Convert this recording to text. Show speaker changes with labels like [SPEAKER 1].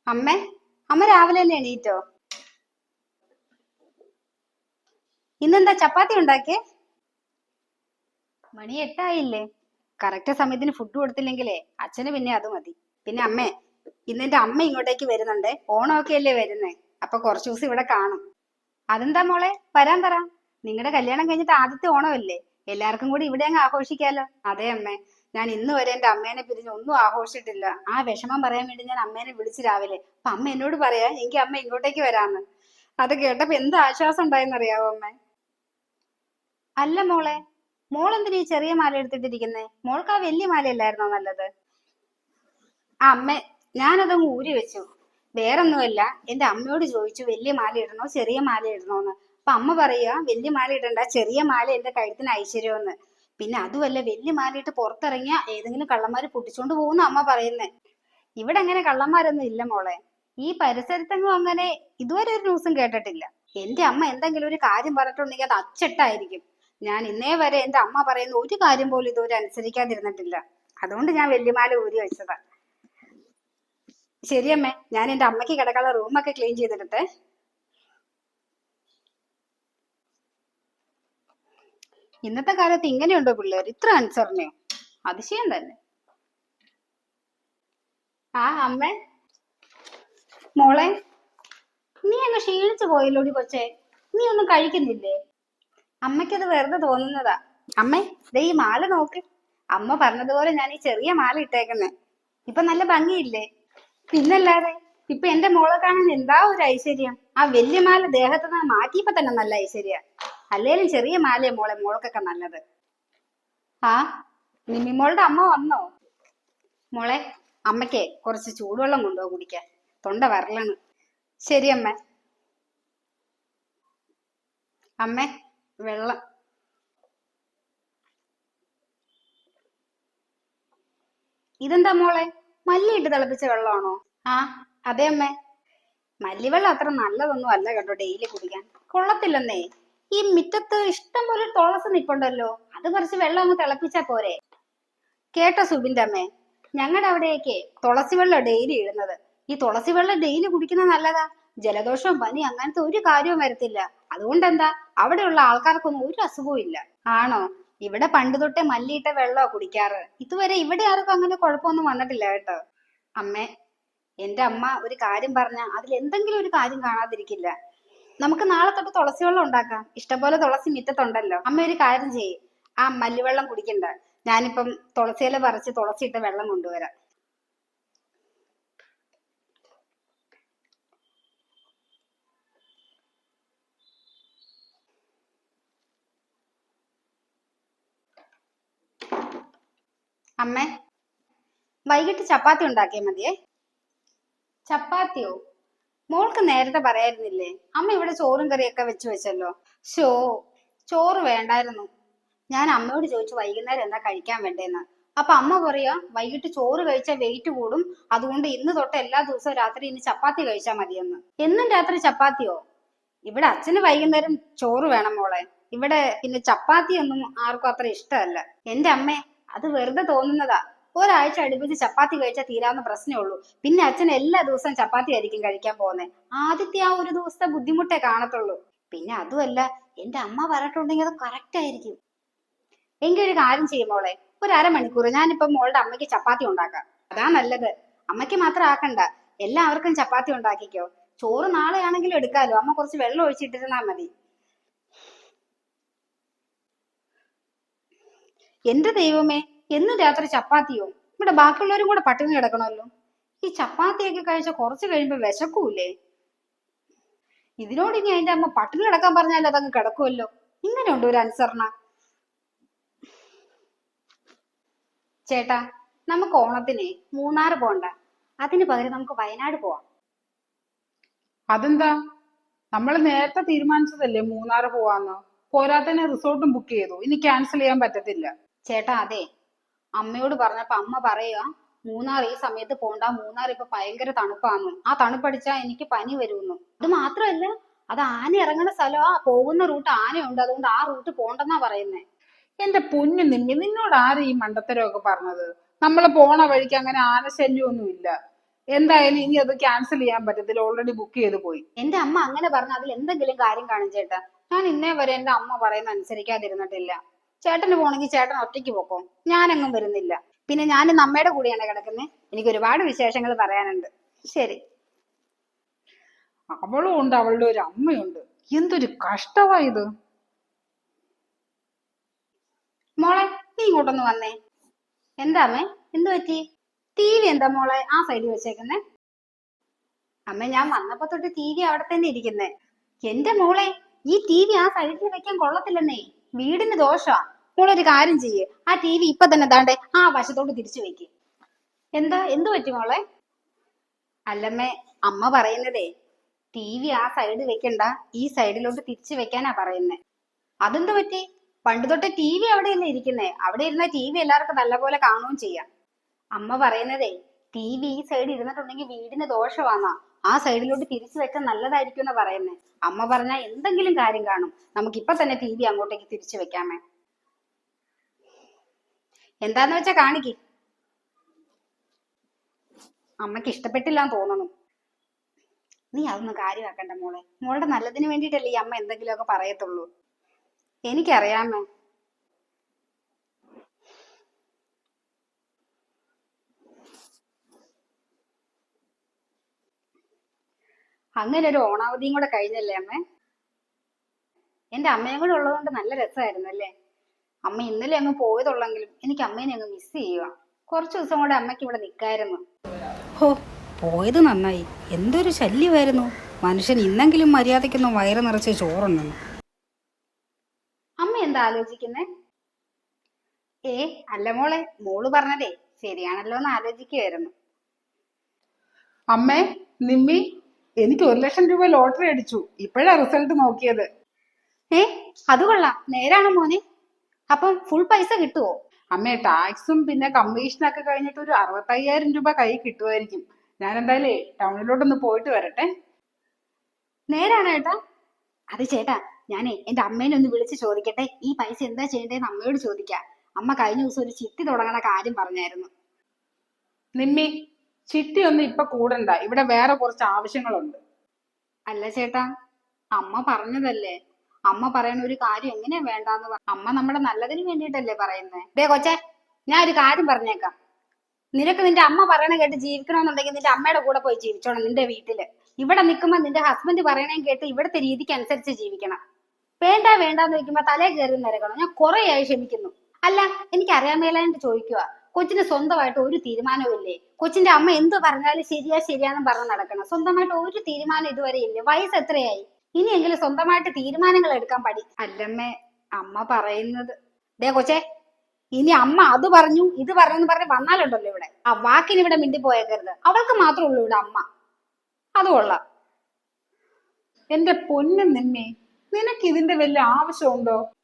[SPEAKER 1] അമ്മേ, അമ്മ രാവിലെ തന്നെ എണീറ്റോ? ഇന്നെന്താ ചപ്പാത്തി ഉണ്ടാക്കിയേ? മണി 8 ആയില്ലേ? കറക്റ്റ് സമയത്തിന് ഫുഡ് കൊടുത്തില്ലെങ്കിലേ അച്ഛന് പിന്നെ അത് മതി. പിന്നെ അമ്മേ, ഇന്നെന്റെ അമ്മ ഇങ്ങോട്ടേക്ക് വരുന്നുണ്ടേ. ഓണമൊക്കെ അല്ലേ വരുന്നേ. അപ്പൊ കുറച്ചു ദിവസം ഇവിടെ കാണും. അതെന്താ മോളെ, വരാൻ പറ. നിങ്ങളുടെ കല്യാണം കഴിഞ്ഞിട്ട് ആദ്യത്തെ ഓണമല്ലേ? എല്ലാവർക്കും കൂടി ഇവിടെ അങ്ങ് ആഘോഷിക്കാലോ. അതെ അമ്മേ, ഞാൻ ഇന്ന് വരെ എന്റെ അമ്മേനെ പിരിഞ്ഞ് ഒന്നും ആഘോഷിച്ചിട്ടില്ല. ആ വിഷമം പറയാൻ വേണ്ടി ഞാൻ അമ്മേനെ വിളിച്ച് രാവിലെ. അപ്പൊ അമ്മ എന്നോട് പറയാ എനിക്ക് അമ്മ ഇങ്ങോട്ടേക്ക് വരാന്ന്. അത് കേട്ടപ്പോ എന്ത് ആശ്വാസം ഉണ്ടായെന്നറിയാവോ അമ്മേ? അല്ല മോളെ, മോൾ എന്തിനാ ഈ ചെറിയ മാല എടുത്തിട്ടിരിക്കുന്നേ? മോൾക്ക് ആ വലിയ മാലയല്ലായിരുന്നോ നല്ലത്? ആ അമ്മേ, ഞാനതങ്ങ് ഊരി വെച്ചു. വേറൊന്നുമല്ല, എന്റെ അമ്മയോട് ചോദിച്ചു വലിയ മാല ഇടണോ ചെറിയ മാല ഇടണോന്ന്. അപ്പൊ അമ്മ പറയാ വലിയ മാല ഇടണ്ട, ചെറിയ മാല എന്റെ കഴുത്തിന് ഐശ്വര്യമെന്ന്. പിന്നെ അതുമല്ല, വലിയ മാല ഇട്ട് പുറത്തിറങ്ങിയ ഏതെങ്കിലും കള്ളന്മാര് പൊട്ടിച്ചോണ്ട് പോകുന്ന അമ്മ പറയുന്നേ. ഇവിടെ അങ്ങനെ കള്ളന്മാരൊന്നും ഇല്ല മോളെ. ഈ പരിസരത്തെങ്ങും അങ്ങനെ ഇതുവരെ ഒരു ന്യൂസും കേട്ടിട്ടില്ല. എന്റെ അമ്മ എന്തെങ്കിലും ഒരു കാര്യം പറഞ്ഞിട്ടുണ്ടെങ്കിൽ അത് അച്ചട്ടായിരിക്കും. ഞാൻ ഇന്നേ വരെ എന്റെ അമ്മ പറയുന്ന ഒരു കാര്യം പോലും ഇതുവരെ അനുസരിക്കാതിരുന്നിട്ടില്ല. അതുകൊണ്ട് ഞാൻ വല്യമാല ഊരി വെച്ചതാ. ശരിയമ്മേ, ഞാൻ എന്റെ അമ്മയ്ക്ക് കിടക്കാനുള്ള റൂമൊക്കെ ക്ലീൻ ചെയ്തിട്ടെ. ഇന്നത്തെ കാലത്ത് ഇങ്ങനെയുണ്ടോ പിള്ളേർ, ഇത്ര അനുസരണയോ? അതിശയം തന്നെ. ആ അമ്മേ, മോളെ, നീ അങ്ങ് ക്ഷീണിച്ചു പോയല്ലോടി കൊച്ചേ. നീ ഒന്നും കഴിക്കുന്നില്ലേ? അമ്മയ്ക്കത് വെറുതെ തോന്നുന്നതാ. അമ്മേ, ദേ ഈ മാല നോക്ക്. അമ്മ പറഞ്ഞതുപോലെ ഞാൻ ഈ ചെറിയ മാല ഇട്ടേക്കുന്നേ. ഇപ്പൊ നല്ല ഭംഗിയില്ലേ? പിന്നല്ലാതെ. ഇപ്പൊ എന്റെ മോളെ കാണാൻ എന്താ ഒരു ഐശ്വര്യം. ആ വലിയ മാല ദേഹത്ത് നിന്ന് മാറ്റിയപ്പോ തന്നെ നല്ല ഐശ്വര്യ. അല്ലേലും ചെറിയ മാലയെ മോളെ മോൾക്കൊക്കെ നല്ലത്. ആ, നിമ്മിമോളുടെ അമ്മ വന്നോ? മോളെ, അമ്മയ്ക്ക് കുറച്ച് ചൂടുവെള്ളം കൊണ്ടുപോ കുടിക്കാൻ. തൊണ്ട വരളാണ്. ശരി അമ്മ. അമ്മേ, വെള്ളം. ഇതെന്താ മോളെ, മല്ലിയിട്ട് തിളപ്പിച്ച വെള്ളമാണോ? ആ, അതെ അമ്മേ. മല്ലിവെള്ളം അത്ര നല്ലതൊന്നും അല്ല കേട്ടോ ഡെയിലി കുടിക്കാൻ. കൊള്ളത്തില്ലെന്നേ. ഈ മുറ്റത്ത് ഇഷ്ടം പോലെ തുളസി നിപ്പുണ്ടല്ലോ, അത് കുറച്ച് വെള്ളം അങ്ങ് തിളപ്പിച്ചാ പോരെ? കേട്ടോ സുബിന്റെ അമ്മേ, ഞങ്ങളുടെ അവിടെയൊക്കെ തുളസി വെള്ളം ഡെയിലി ഇടുന്നത്. ഈ തുളസി വെള്ളം ഡെയിലി കുടിക്കുന്നത് നല്ലതാ. ജലദോഷവും പനി അങ്ങനത്തെ ഒരു കാര്യവും വരത്തില്ല. അതുകൊണ്ടെന്താ, അവിടെയുള്ള ആൾക്കാർക്കൊന്നും ഒരു അസുഖവും ഇല്ല. ആണോ? ഇവിടെ പണ്ട് തൊട്ടേ മല്ലിയിട്ട വെള്ളമാ കുടിക്കാറ്. ഇതുവരെ ഇവിടെ ആർക്കും അങ്ങനെ കുഴപ്പമൊന്നും വന്നിട്ടില്ല കേട്ടോ. അമ്മേ, എന്റെ അമ്മ ഒരു കാര്യം പറഞ്ഞ അതിൽ എന്തെങ്കിലും ഒരു കാര്യം കാണാതിരിക്കില്ല. നമുക്ക് നാളെ തൊട്ട് തുളസി വെള്ളം ഉണ്ടാക്കാം. ഇഷ്ടംപോലെ തുളസി മുറ്റത്തുണ്ടല്ലോ. അമ്മ ഒരു കാര്യം ചെയ്യ്, ആ മല്ലിവെള്ളം കുടിക്കണ്ട. ഞാനിപ്പം തുളസിയില പറിച്ച് തുളസി ഇട്ട വെള്ളം കൊണ്ടുവരാം. അമ്മേ, വൈകിട്ട് ചപ്പാത്തി ഉണ്ടാക്കിയാൽ മതിയേ. ചപ്പാത്തിയോ? മോൾക്ക് നേരത്തെ പറയായിരുന്നില്ലേ? അമ്മ ഇവിടെ ചോറും കറിയൊക്കെ വെച്ചല്ലോ. ഷോ, ചോറ് വേണ്ടായിരുന്നു. ഞാൻ അമ്മയോട് ചോദിച്ചു വൈകുന്നേരം എന്താ കഴിക്കാൻ വേണ്ടേന്ന്. അപ്പൊ അമ്മ പറയാ വൈകിട്ട് ചോറ് കഴിച്ചാൽ വെയിറ്റ് കൂടും. അതുകൊണ്ട് ഇന്ന് തൊട്ട് എല്ലാ ദിവസവും രാത്രി ഇനി ചപ്പാത്തി കഴിച്ചാൽ മതിയെന്ന്. എന്നും രാത്രി ചപ്പാത്തിയോ? ഇവിടെ അച്ഛന് വൈകുന്നേരം ചോറ് വേണം മോളെ. ഇവിടെ പിന്നെ ചപ്പാത്തി ഒന്നും ആർക്കും അത്ര ഇഷ്ടമല്ല. എന്റെ അമ്മേ, അത് വെറുതെ തോന്നുന്നതാ. ഒരാഴ്ച അടുപ്പിച്ച് ചപ്പാത്തി കഴിച്ചാൽ തീരാവുന്ന പ്രശ്നമേ ഉള്ളൂ. പിന്നെ അച്ഛൻ എല്ലാ ദിവസവും ചപ്പാത്തി ആയിരിക്കും കഴിക്കാൻ പോകുന്നത്. ആദ്യത്തെ ആ ഒരു ദിവസത്തെ ബുദ്ധിമുട്ടേ കാണത്തുള്ളൂ. പിന്നെ അതുമല്ല, എന്റെ അമ്മ പറഞ്ഞിട്ടുണ്ടെങ്കിൽ അത് കറക്റ്റ് ആയിരിക്കും. എങ്കിൽ ഒരു കാര്യം ചെയ്യും മോളെ, ഒരു അരമണിക്കൂർ ഞാനിപ്പം മോളുടെ അമ്മയ്ക്ക് ചപ്പാത്തി ഉണ്ടാക്കാം. അതാ നല്ലത്. അമ്മയ്ക്ക് മാത്രം ആക്കണ്ട, എല്ലാവർക്കും ചപ്പാത്തി ഉണ്ടാക്കിക്കോ. ചോറ് നാളെ ആണെങ്കിലും എടുക്കാലോ. അമ്മ കുറച്ച് വെള്ളം ഒഴിച്ചിട്ടിരുന്നാ മതി. എന്റെ ദൈവമേ, എന്നും രാത്രി ചപ്പാത്തിയോ? ഇവിടെ ബാക്കിയുള്ളവരും കൂടെ പട്ടിണി കിടക്കണമല്ലോ. ഈ ചപ്പാത്തിയൊക്കെ കഴിച്ച കുറച്ച് കഴിയുമ്പോ വിശക്കൂലേ? ഇതിനോട് ഇനി അതിന്റെ അമ്മ പട്ടിണി കിടക്കാൻ പറഞ്ഞാൽ അതങ്ങ് കിടക്കുമല്ലോ. ഇങ്ങനെയുണ്ട് ഒരു അനുസരണ. ചേട്ടാ, നമുക്ക് ഓണത്തിന് മൂന്നാർ പോണ്ട. അതിന് പകരം നമുക്ക് വയനാട് പോവാം.
[SPEAKER 2] അതെന്താ? നമ്മൾ നേരത്തെ തീരുമാനിച്ചതല്ലേ മൂന്നാറ് പോവാന്ന്. പോരാത്തന്നെ റിസോർട്ടും ബുക്ക് ചെയ്തു. ഇനി ക്യാൻസൽ ചെയ്യാൻ പറ്റത്തില്ല.
[SPEAKER 1] ചേട്ടാ അതെ, അമ്മയോട് പറഞ്ഞപ്പോ അമ്മ പറയാ മൂന്നാർ ഈ സമയത്ത് പോണ്ട, മൂന്നാർ ഇപ്പൊ ഭയങ്കര തണുപ്പാന്ന്. ആ തണുപ്പടിച്ചാ എനിക്ക് പനി വരുമെന്ന്. അത് മാത്രല്ല, അത് ആന ഇറങ്ങുന്ന സ്ഥലമാ. പോകുന്ന റൂട്ട് ആനയുണ്ട്, അതുകൊണ്ട് ആ റൂട്ട് പോണ്ടെന്നാ പറയുന്നേ.
[SPEAKER 2] എന്റെ പൊന്നു നിമ്മി, നിന്നോട് ആര് ഈ മണ്ടത്തരമൊക്കെ പറഞ്ഞത്? നമ്മൾ പോണ വഴിക്ക് അങ്ങനെ ആനശല്യമൊന്നും ഇല്ല. എന്തായാലും ഇനി അത് ക്യാൻസൽ ചെയ്യാൻ പറ്റത്തില്ല, ഓൾറെഡി ബുക്ക് ചെയ്ത് പോയി.
[SPEAKER 1] എന്റെ അമ്മ അങ്ങനെ പറഞ്ഞ അതിൽ എന്തെങ്കിലും കാര്യം കാണും ചേട്ടാ. ഞാൻ ഇന്നേ വരെ എന്റെ അമ്മ പറയുന്ന അനുസരിക്കാതിരുന്നിട്ടില്ല. ചേട്ടന് പോണെങ്കിൽ ചേട്ടൻ ഒറ്റയ്ക്ക് പോക്കോ, ഞാനെങ്ങും വരുന്നില്ല. പിന്നെ ഞാൻ ഇന്ന് അമ്മയുടെ കൂടെയാണ് കിടക്കുന്നത്. എനിക്ക് ഒരുപാട് വിശേഷങ്ങൾ പറയാനുണ്ട്. ശരി.
[SPEAKER 2] അവളും ഉണ്ട്, അവളുടെ ഒരു അമ്മയുണ്ട്. എന്തൊരു കഷ്ടമാ ഇത്.
[SPEAKER 1] മോളെ നീ ഇങ്ങോട്ടൊന്ന് വന്നേ. എന്താ അമ്മേ, എന്തു പറ്റി? ടി വി എന്താ മോളെ ആ സൈഡിൽ വെച്ചേക്കുന്നേ? അമ്മ ഞാൻ വന്നപ്പോ തൊട്ട് ടി വി അവിടെ തന്നെ ഇരിക്കുന്നേ. എന്റെ മോളെ, ഈ ടി വി ആ സൈഡിൽ വെക്കാൻ കൊള്ളത്തില്ലെന്നേ, വീടിന് ദോഷാ. മോളൊരു കാര്യം ചെയ്യേ, ആ ടി വി ഇപ്പൊ തന്നെ ദാണ്ടെ ആ വശത്തോട്ട് തിരിച്ചു വെക്ക്. എന്താ, എന്തു പറ്റി മോളെ? അല്ലമ്മേ, അമ്മ പറയുന്നതേ ടി വി ആ സൈഡ് വെക്കണ്ട, ഈ സൈഡിലോട്ട് തിരിച്ചു വെക്കാനാ പറയുന്നേ. അതെന്ത് പറ്റി? പണ്ട് തൊട്ട് ടി വി അവിടെയല്ലേ ഇരിക്കുന്നേ, അവിടെ ഇരുന്ന ടി വി എല്ലാവർക്കും നല്ലപോലെ കാണുകയും ചെയ്യാം. അമ്മ പറയുന്നതേ ടി വി ഈ സൈഡ് ഇരുന്നിട്ടുണ്ടെങ്കിൽ വീടിന് ദോഷമാന്നാ, ആ സൈഡിലോട്ട് തിരിച്ചു വെച്ചാൽ നല്ലതായിരിക്കും എന്നാ പറയുന്നേ. അമ്മ പറഞ്ഞാ എന്തെങ്കിലും കാര്യം കാണും. നമുക്കിപ്പൊ തന്നെ ടി വി അങ്ങോട്ടേക്ക് തിരിച്ചു വെക്കാമേ. എന്താന്ന് വെച്ചാ കാണിക്ക്. അമ്മക്ക് ഇഷ്ടപ്പെട്ടില്ലാന്ന് തോന്നുന്നു. നീ അതൊന്നും കാര്യമാക്കണ്ട മോളെ, മോളുടെ നല്ലതിന് വേണ്ടിയിട്ടല്ലേ ഈ അമ്മ എന്തെങ്കിലുമൊക്കെ പറയത്തുള്ളൂ. എനിക്കറിയാമേ. അങ്ങനെ ഒരു ഓണാവധിയും കൂടെ കഴിഞ്ഞല്ലേ അമ്മേ? എന്റെ അമ്മയും കൂടെ ഉള്ളതുകൊണ്ട് നല്ല രസമായിരുന്നു അല്ലേ? അമ്മ ഇന്നലെ അങ്ങ് പോയതുള്ളെങ്കിലും എനിക്ക് അമ്മേനെ അങ്ങ് മിസ് ചെയ്യുക. കുറച്ചു ദിവസം കൂടെ അമ്മയ്ക്ക് ഇവിടെ നിൽക്കായിരുന്നു. ഹോ, പോയത് നന്നായി. എന്തൊരു ശല്യമായിരുന്നു. മനുഷ്യൻ ഇന്നെങ്കിലും മര്യാദയ്ക്കൊന്നും വയറ് നിറച്ച് ചോറുണ്ണു. അമ്മ എന്താ ആലോചിക്കുന്നേ? അല്ല മോളെ, മോള് പറഞ്ഞതേ ശരിയാണല്ലോ എന്ന് ആലോചിക്കുവായിരുന്നു.
[SPEAKER 2] അമ്മേ, നിമ്മി, എനിക്ക് 1,00,000 രൂപ ലോട്ടറി അടിച്ചു. ഇപ്പോഴാ റിസൾട്ട് നോക്കിയത്.
[SPEAKER 1] അത് കൊള്ളാം. നേരാണോ മോനെ? അപ്പം ഫുൾ പൈസ കിട്ടുവോ?
[SPEAKER 2] അമ്മേ, ടാക്സും പിന്നെ കമ്മീഷനൊക്കെ കഴിഞ്ഞിട്ട് ഒരു 65,000 രൂപ കൈ കിട്ടുമായിരിക്കും. ഞാൻ എന്തായാലേ ടൗണിലോട്ടൊന്ന് പോയിട്ട് വരട്ടെ.
[SPEAKER 1] നേരാണോ ഏട്ടാ? അത് ചേട്ടാ, ഞാനേ എന്റെ അമ്മേനെ ഒന്ന് വിളിച്ച് ചോദിക്കട്ടെ, ഈ പൈസ എന്താ ചെയ്യേണ്ടതെന്ന് അമ്മയോട് ചോദിക്കാം. അമ്മ കഴിഞ്ഞ ദിവസം ഒരു ചിട്ടി തുടങ്ങണ കാര്യം പറഞ്ഞായിരുന്നു.
[SPEAKER 2] നിമ്മി, ചിട്ടി ഒന്നും ഇപ്പൊ കൂടണ്ട, ഇവിടെ വേറെ കുറച്ച് ആവശ്യങ്ങളുണ്ട്.
[SPEAKER 1] അല്ല ചേട്ടാ, അമ്മ പറഞ്ഞതല്ലേ. അമ്മ പറയുന്ന ഒരു കാര്യം എങ്ങനെയാ വേണ്ടാന്ന് അമ്മ നമ്മുടെ നല്ലതിന് വേണ്ടിയിട്ടല്ലേ പറയുന്നേ. ദേ കൊച്ചേ, ഞാൻ ഒരു കാര്യം പറഞ്ഞേക്കാം. നിനക്ക് നിന്റെ അമ്മ പറയണ കേട്ട് ജീവിക്കണമെന്നുണ്ടെങ്കിൽ നിന്റെ അമ്മയുടെ കൂടെ പോയി ജീവിച്ചോണം നിന്റെ വീട്ടില്. ഇവിടെ നിൽക്കുമ്പോ നിന്റെ ഹസ്ബൻഡ് പറയണേം കേട്ട് ഇവിടുത്തെ രീതിക്ക് അനുസരിച്ച് ജീവിക്കണം. വേണ്ട വേണ്ടാന്ന് വെക്കുമ്പോ തലേ കയറി നിരക്കണം. ഞാൻ കുറെ ആയി ക്ഷമിക്കുന്നു. അല്ല, എനിക്ക് അറിയാൻ മേലായിട്ട് ചോദിക്കുക, കൊച്ചിന് സ്വന്തമായിട്ട് ഒരു തീരുമാനവും ഇല്ലേ? കൊച്ചിന്റെ അമ്മ എന്ത് പറഞ്ഞാലും ശരിയാ ശരിയാന്നും പറഞ്ഞ് നടക്കണം. സ്വന്തമായിട്ട് ഒരു തീരുമാനം ഇതുവരെ ഇല്ലേ? വയസ്സ് എത്രയായി? ഇനിയെങ്കിലും സ്വന്തമായിട്ട് തീരുമാനങ്ങൾ എടുക്കാൻ പഠി. അല്ലമ്മേ, അമ്മ പറയുന്നത്. ദേ കൊച്ചേ, ഇനി അമ്മ അത് പറഞ്ഞു ഇത് പറഞ്ഞു പറഞ്ഞ് വന്നാലുണ്ടല്ലോ ഇവിടെ, ആ വാക്കിന് ഇവിടെ മിണ്ടിപ്പോയേക്കരുത്. അവൾക്ക് മാത്രമേ ഉള്ളൂ ഇവിടെ അമ്മ. അത് കൊള്ളാം.
[SPEAKER 2] എന്റെ പൊന്നു നിമ്മി, നിനക്ക് ഇതിന്റെ വലിയ ആവശ്യമുണ്ടോ?